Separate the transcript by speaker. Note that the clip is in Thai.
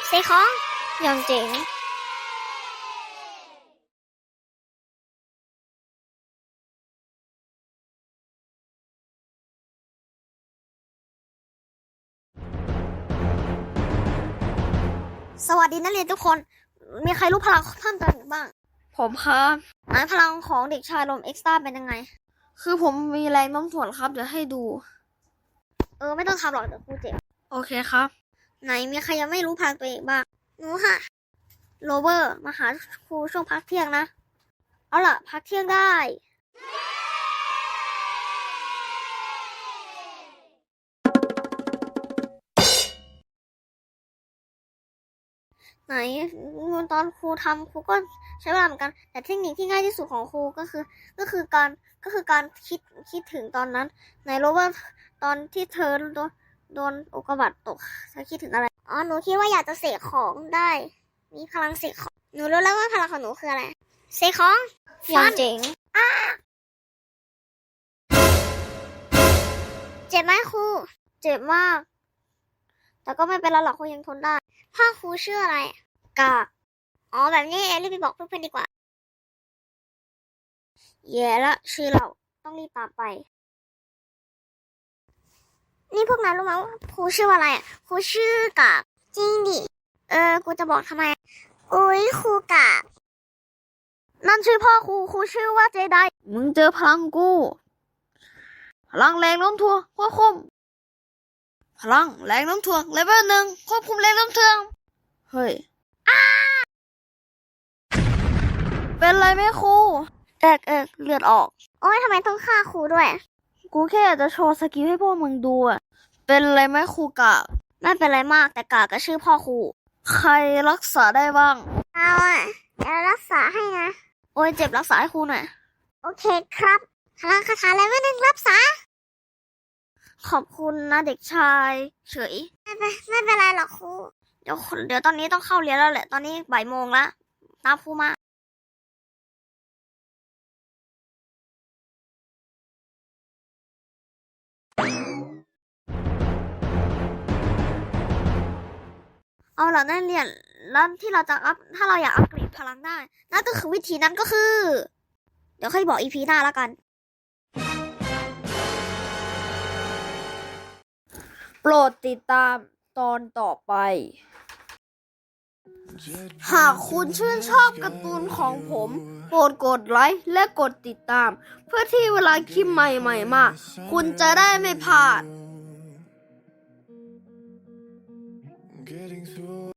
Speaker 1: เซของอย่างเจ๋งสวัสดีนักเรียนทุกคน มีใครรู้พลังเพิ่มเติมอีกบ้าง
Speaker 2: ผมครับ
Speaker 1: พลังของเด็กชายลมเอ็กซ์ต้าเป็นยังไง
Speaker 2: คือผมมีแรงโน้มถ่วงครับเดี๋ยวให้ดู
Speaker 1: ไม่ต้องทำหรอกเดี๋ยวครูเจ็บ
Speaker 2: โอเคครับ
Speaker 1: ไหนมีใครยังไม่รู้พลังตัวเองบ้างหนูค่ะ โรเบอร์มาหาครูช่วงพักเที่ยงนะ เอาล่ะ พักเที่ยงได้ ไหนตอนครูทำครูก็ใช้เวลาเหมือนกัน แต่เทคนิคที่ง่ายที่สุดของครูก็คือการคิดถึงตอนนั้นไหนโรเบอร์ตอนที่เธอโดนอุกกาบาตตกเธอคิดถึงอะไรหนูคิดว่าอยากจะเสกของได้ มีพลังเสกของหนูรู้แล้วว่าพลังของหนูคืออะไรเสกของอย่างเจ๋งเจ็บไหมครูเจ็บมาก แต่ก็ไม่เป็นไรหรอกครูยังทนได้พ่อครูชื่ออะไรกากแบบนี้เองรีบไปบอกเพื่อนๆดีกว่าแย่ละชื่อเราต้องรีบตามไป นี่พวกนั้นรู้ไหมว่าครูชื่ออะไรครูชื่อกากจริงดิกูจะบอกทำไมอุ๊ยครูกากนั่นชื่อพ่อครูชื่อว่าเจได
Speaker 2: มึงเจอพลังกู พลังแรงโน้มถ่วงควบคุม พลังแรงโน้มถ่วงเลเวล1ควบคุมแรงโน้มถ่วง เฮ้ยเป็นไรไหมครู
Speaker 1: เลือดออกโอ๊ยทำไมต้องฆ่าครูด้วย
Speaker 2: กูแค่อยากจะโชว์สกิลให้พวกมึงดูอะเป็นไรไหมครูกะ
Speaker 1: ไม่เป็นไรมากแต่กากก็ชื่อพ่อครู
Speaker 2: ใครรักษาได้บ้าง
Speaker 1: เอาเดี๋ยวรักษาให้นะ
Speaker 2: โอ้ยเจ็บรักษาให้ครูหน่อย
Speaker 1: โอเคครับพลังคาถาเลเวล1รักษา
Speaker 2: ขอบคุณนะเด็กชายเฉย
Speaker 1: ไม่เป็นไรหรอกครู
Speaker 2: เดี๋ยวตอนนี้ต้องเข้าเรียนแล้วแหละ ตอนนี้บ่ายโมงละตามครูมาเอาล่ะนักเรียนแล้วที่เราจะถ้าเราอยากอัปเกรดพลังได้นั่นก็คือวิธีนั้นก็คือ เดี๋ยวค่อยบอกอีพีหน้าแล้วกัน โปรดติดตามตอนต่อไป หากคุณชื่นชอบการ์ตูนของผม โปรดกดไลค์และกดติดตาม เพื่อที่เวลาคลิปใหม่ๆมาคุณจะได้ไม่พลาด